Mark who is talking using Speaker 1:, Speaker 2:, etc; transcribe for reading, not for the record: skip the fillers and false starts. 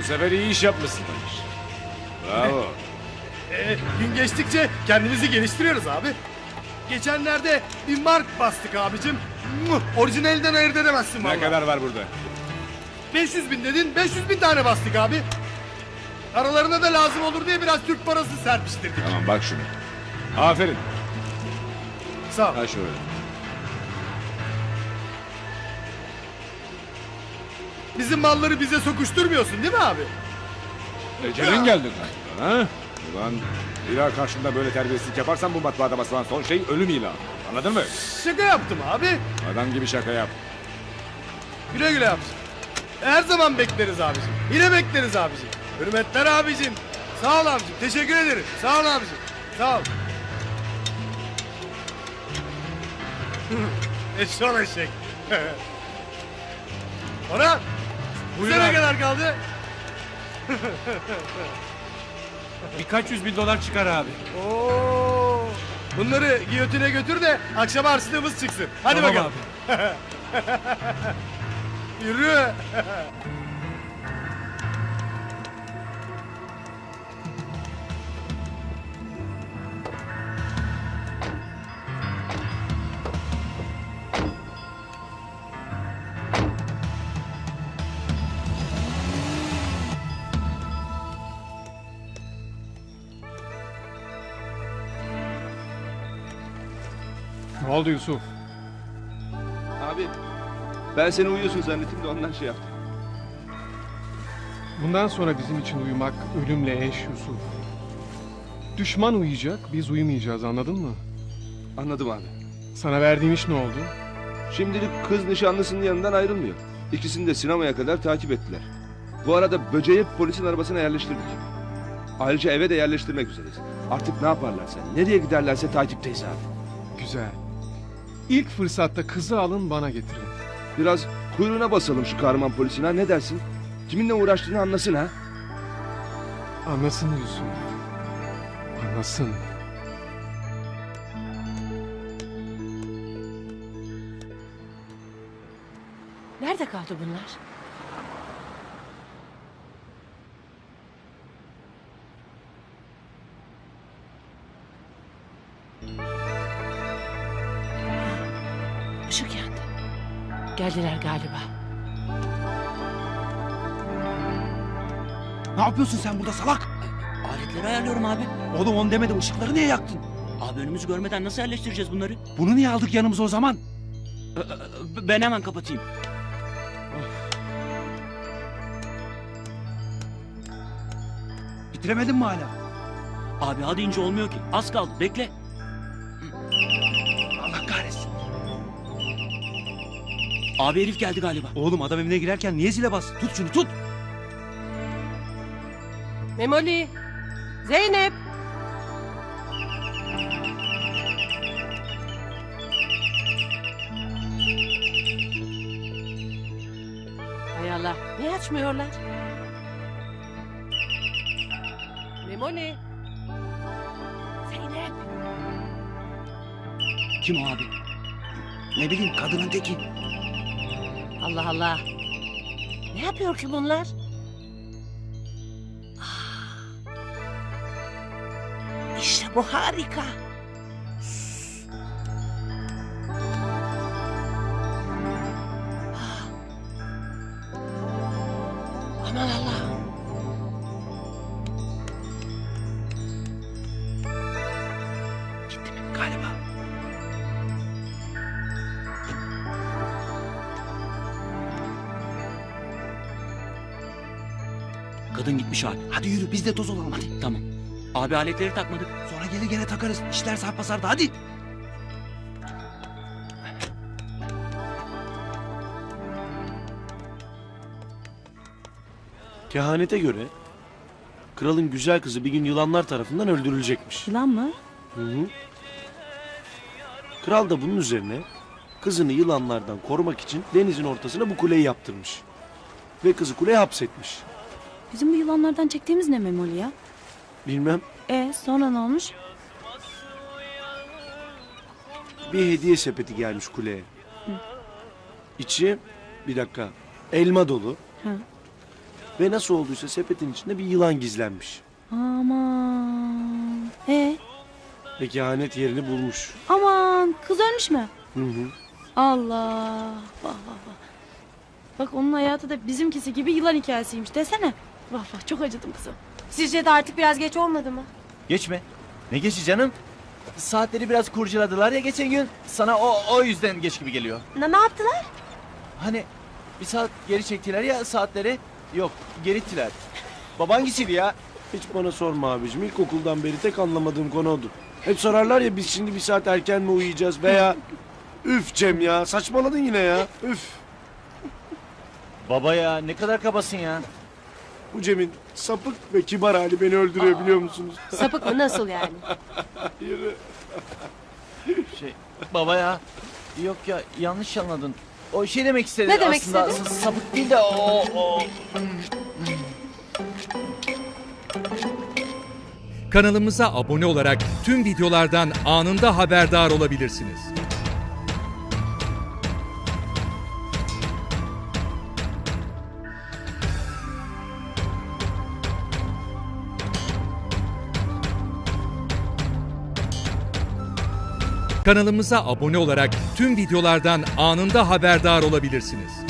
Speaker 1: sefer iyi iş yapmışsın Barış. Bravo.
Speaker 2: Gün geçtikçe kendimizi geliştiriyoruz abi. Geçenlerde bir mark bastık abicim. Orijinalinden ayırt edemezsin vallahi.
Speaker 1: Ne kadar var burada?
Speaker 2: 500 bin dedin, 500 bin tane bastık abi. Aralarına da lazım olur diye biraz Türk parası serpiştirdik.
Speaker 1: Tamam bak şunu. Aferin.
Speaker 2: Sağ ol.
Speaker 1: Ha şöyle.
Speaker 2: Bizim malları bize sokuşturmuyorsun değil mi abi?
Speaker 1: Ecelin geldi galiba ha? Ulan ilah karşımda böyle terbiyesizlik yaparsan bu matbaada basılan son şey ölüm ilanı. Anladın mı?
Speaker 2: Şaka yaptım abi.
Speaker 1: Adam gibi şaka yap.
Speaker 2: Güle güle abicim. Her zaman bekleriz abicim. Yine bekleriz abicim. Hürmetler abicim. Sağ ol abicim. Teşekkür ederim. Sağ ol abicim. Sağ ol. Eşşoğlu eşek. Orhan. Bize ne kadar kaldı?
Speaker 3: Birkaç 100 bin dolar çıkar abi.
Speaker 2: Oo. Bunları giyotine götür de akşam harçlığımız çıksın. Hadi
Speaker 3: Tamam
Speaker 2: bakalım.
Speaker 3: abi.
Speaker 2: Yürü.
Speaker 4: Ne oldu Yusuf?
Speaker 5: Abi ben seni uyuyorsun zannettim de ondan şey yaptım.
Speaker 4: Bundan sonra bizim için uyumak ölümle eş Yusuf. Düşman uyuyacak, biz uyumayacağız, anladın mı?
Speaker 5: Anladım abi.
Speaker 4: Sana verdiğim iş ne oldu?
Speaker 5: Şimdilik kız nişanlısının yanından ayrılmıyor. İkisini de sinemaya kadar takip ettiler. Bu arada böceği polisin arabasına yerleştirdik. Ayrıca eve de yerleştirmek üzereyiz. Artık ne yaparlarsa, nereye giderlerse takipteyiz abi.
Speaker 4: Güzel. İlk fırsatta kızı alın bana getirin.
Speaker 5: Biraz kuyruğuna basalım şu kahraman polisin ha, ne dersin? Kiminle uğraştığını anlasın ha.
Speaker 4: Anlasın Yusuf. Anlasın.
Speaker 6: Nerede kaldı bunlar? Işık yandı. Geldiler galiba.
Speaker 3: Ne yapıyorsun sen burada salak?
Speaker 7: Aletleri ayarlıyorum abi.
Speaker 3: Oğlum onu demedim, ışıkları niye yaktın?
Speaker 7: Abi önümüzü görmeden nasıl yerleştireceğiz bunları?
Speaker 3: Bunu niye aldık yanımıza o zaman?
Speaker 7: Ben hemen kapatayım.
Speaker 3: Bitiremedin mi hala?
Speaker 7: Abi hadi ince olmuyor ki. Az kaldı bekle.
Speaker 3: Allah kahretsin.
Speaker 7: Abi herif geldi galiba.
Speaker 3: Oğlum adam evine girerken niye zile bas? Tut şunu tut.
Speaker 6: Memoli! Zeynep! Hay Allah, niye açmıyorlar? Memoli! Zeynep!
Speaker 7: Kim o abi?
Speaker 3: Ne bileyim, kadının teki.
Speaker 6: Allah Allah! Ne yapıyor ki bunlar? İşte bu harika. Aman Allah'ım.
Speaker 3: Gitti mi? Galiba.
Speaker 7: Kadın gitmiş abi.
Speaker 3: Hadi yürü biz de toz olalım hadi.
Speaker 7: Tamam. Abi aletleri takmadık.
Speaker 3: Sonra gelir gene takarız. İşler sarpa hadi.
Speaker 8: Kehanete göre kralın güzel kızı bir gün yılanlar tarafından öldürülecekmiş.
Speaker 6: Yılan mı?
Speaker 8: Hı hı. Kral da bunun üzerine kızını yılanlardan korumak için denizin ortasına bu kuleyi yaptırmış. Ve kızı kuleye hapsetmiş.
Speaker 9: Bizim bu yılanlardan çektiğimiz ne Memoli ya?
Speaker 8: Bilmem,
Speaker 9: Sonra ne olmuş?
Speaker 8: bir hediye sepeti gelmiş kuleye. İçi bir dakika elma dolu.
Speaker 9: Hı.
Speaker 8: Ve nasıl olduysa sepetin içinde bir yılan gizlenmiş.
Speaker 9: Aman.
Speaker 8: Ve kehanet yerini bulmuş.
Speaker 9: Aman kız ölmüş mü?
Speaker 8: Hı hı.
Speaker 9: Allah. Vah vah vah. Bak onun hayatı da bizimkisi gibi yılan hikayesiymiş desene. Vah vah çok acıdım kızım.
Speaker 6: Sizce de artık biraz geç olmadı mı?
Speaker 10: Geçme. Ne geçi canım? Saatleri biraz kurcaladılar ya geçen gün. Sana o yüzden geç gibi geliyor.
Speaker 6: Ne yaptılar?
Speaker 10: Hani bir saat geri çektiler ya saatleri. Yok geri ittiler. Baban hangisiydi ya?
Speaker 8: Hiç bana sorma abicim. İlkokuldan beri tek anlamadığım konu odur. Hep sorarlar ya biz şimdi bir saat erken mi uyuyacağız veya... Üf Cem ya saçmaladın yine ya. Üf.
Speaker 10: Baba ya ne kadar kabasın ya.
Speaker 8: Bu Cem'in sapık ve kibar hali beni öldürüyor biliyor musunuz?
Speaker 6: Sapık mı nasıl yani?
Speaker 10: Baba ya. Yok ya yanlış anladın. O şey demek istedi
Speaker 6: Ne demek
Speaker 10: aslında.
Speaker 6: istedi?
Speaker 10: Sapık değil de o.
Speaker 11: Kanalımıza abone olarak tüm videolardan anında haberdar olabilirsiniz. Kanalımıza abone olarak tüm videolardan anında haberdar olabilirsiniz.